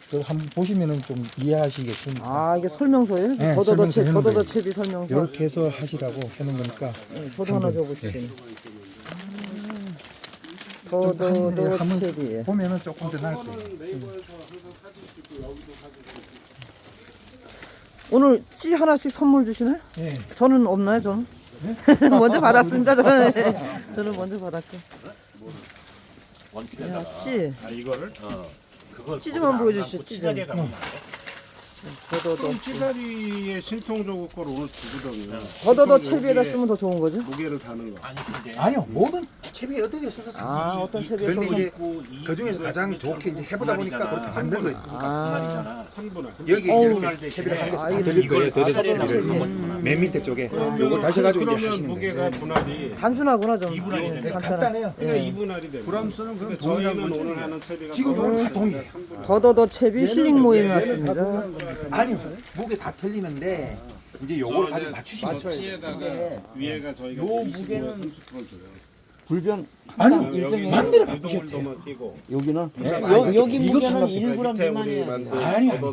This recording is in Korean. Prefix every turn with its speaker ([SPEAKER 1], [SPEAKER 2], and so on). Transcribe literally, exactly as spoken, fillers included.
[SPEAKER 1] 그 한번 보시면은 좀 이해하시겠습니다.
[SPEAKER 2] 아 이게 설명서예요?
[SPEAKER 1] 네,
[SPEAKER 2] 더더더
[SPEAKER 1] 설명서
[SPEAKER 2] 채
[SPEAKER 1] 해놓은
[SPEAKER 2] 더더더
[SPEAKER 1] 거예요.
[SPEAKER 2] 채비 설명서.
[SPEAKER 1] 이렇게 해서 하시라고 해놓은 거니까.
[SPEAKER 2] 네, 저도 하나 줘보시죠.
[SPEAKER 1] 좀
[SPEAKER 2] 더더더
[SPEAKER 1] 한번
[SPEAKER 2] 채비.
[SPEAKER 1] 보면은 조금 더 나을 거예요.
[SPEAKER 2] 오늘 찌 하나씩 선물 주시나요?
[SPEAKER 1] 예.
[SPEAKER 2] 저는 없나요? 저는 먼저 받았습니다. 저는 저는 먼저 받았고. 야, 찌.
[SPEAKER 3] 아 이거를 어 그걸
[SPEAKER 2] 찌 좀 한번 보여주시죠, 찌 좀. 더더더.
[SPEAKER 3] 찌다리의 신통조국 거를 오늘 주거든요.
[SPEAKER 2] 더더더 채비에다 쓰면 더 좋은 거죠?
[SPEAKER 3] 무게를 다는 거.
[SPEAKER 4] 아니 근데
[SPEAKER 1] 아니요, 모든 채비에 어떻게 써서
[SPEAKER 2] 아 어떤 채비에
[SPEAKER 1] 근데
[SPEAKER 2] 써서?
[SPEAKER 1] 이제 그 중에서 가장 좋게 이제 해보다 보니까 그렇게 만든 거예요.
[SPEAKER 2] 아,
[SPEAKER 3] 삼분할.
[SPEAKER 1] 여기
[SPEAKER 2] 어우.
[SPEAKER 1] 이렇게 채비를 한 개씩
[SPEAKER 2] 아,
[SPEAKER 1] 다
[SPEAKER 2] 이거
[SPEAKER 1] 드릴 거예요. 더더
[SPEAKER 2] 더더더
[SPEAKER 1] 채비를. 맨 밑에 쪽에 요거 다셔가지고 이제
[SPEAKER 3] 그러면
[SPEAKER 1] 하시는
[SPEAKER 3] 무게가
[SPEAKER 1] 거예요.
[SPEAKER 3] 분할이
[SPEAKER 2] 단순하구나 좀.
[SPEAKER 4] 이분할이
[SPEAKER 2] 네,
[SPEAKER 4] 되네.
[SPEAKER 2] 간단한.
[SPEAKER 1] 간단해요.
[SPEAKER 3] 그러니까 이분할이 되는.
[SPEAKER 1] 브람스는 그럼
[SPEAKER 3] 그러니까
[SPEAKER 1] 동일한
[SPEAKER 3] 저희는
[SPEAKER 1] 거죠.
[SPEAKER 3] 오늘 하는 채비가
[SPEAKER 1] 지금
[SPEAKER 3] 또
[SPEAKER 1] 이건 다 동일해요.
[SPEAKER 3] 삼분할.
[SPEAKER 2] 더더더 채비 힐링 모임이 왔습니다.
[SPEAKER 1] 아니요, 무게 다 틀리는데 이제 요걸 가지고 맞추시면 돼요.
[SPEAKER 3] 찌에다가 위에가 저희가
[SPEAKER 4] 요
[SPEAKER 3] 이십오,
[SPEAKER 4] 무게는
[SPEAKER 3] 삼십 번 줘요.
[SPEAKER 4] 불변
[SPEAKER 1] 아니요,
[SPEAKER 3] 여기
[SPEAKER 1] 맘대로 바꾸셔도 돼요.
[SPEAKER 3] 유동울도만 끼고.
[SPEAKER 4] 여기는
[SPEAKER 1] 네,
[SPEAKER 4] 여,
[SPEAKER 1] 아니,
[SPEAKER 4] 여기
[SPEAKER 1] 이거
[SPEAKER 4] 무게는
[SPEAKER 1] 상관없어요.
[SPEAKER 4] 일 그램
[SPEAKER 3] 밑에 우리
[SPEAKER 4] 미만이에요.
[SPEAKER 3] 만든
[SPEAKER 1] 아니요.
[SPEAKER 3] 더더